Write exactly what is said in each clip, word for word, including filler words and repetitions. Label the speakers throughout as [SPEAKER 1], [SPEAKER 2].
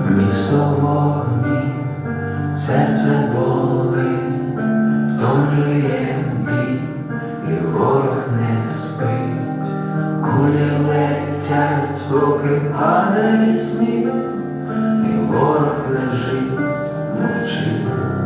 [SPEAKER 1] Місто вогні, серце болить, втомлює бій, і ворог не спить. Кулі летять, поки падає сніг, і ворог лежить, мовчить.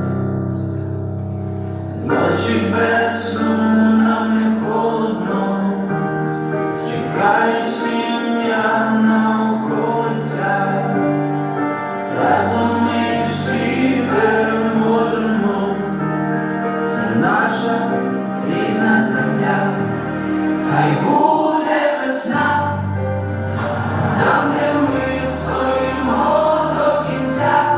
[SPEAKER 1] Ночі без сну, нам не холодно, чекають сім'я на околицях. Разом ми всі переможемо, це наша рідна земля. Хай буде весна, там, де ми стоїмо до кінця,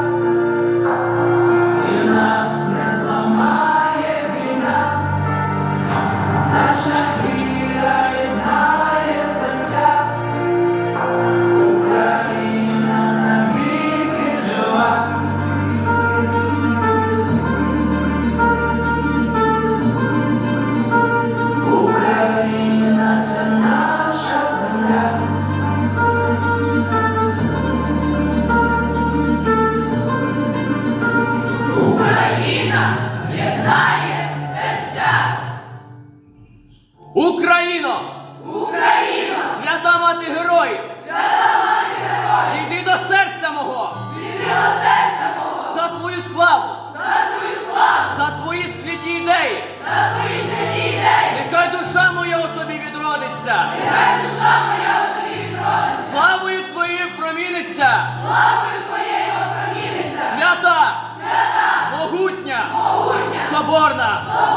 [SPEAKER 1] і нас не зламає війна, наша віра єднає серця. Україна навіки жива. Україна — це наша земля.
[SPEAKER 2] Україна єднає серця!
[SPEAKER 3] Україно!
[SPEAKER 2] Україно!
[SPEAKER 3] Свята мати героїв!
[SPEAKER 2] Свята мати героїв!
[SPEAKER 3] Зійди до серця мого!
[SPEAKER 2] Зійди до серця мого!
[SPEAKER 3] За твою славу!
[SPEAKER 2] За твою славу!
[SPEAKER 3] За твої святі ідеї!
[SPEAKER 2] За твої святі ідеї!
[SPEAKER 3] Нехай душа моя у тобі відродиться!
[SPEAKER 2] Нехай душа моя у тобі відродиться!
[SPEAKER 3] Славою твоєю проміниться!
[SPEAKER 2] Славою твоєю опроміниться!
[SPEAKER 3] Свята!
[SPEAKER 2] Свята!
[SPEAKER 3] Могутня!
[SPEAKER 2] Могутня!
[SPEAKER 3] Соборна!
[SPEAKER 2] Соборна!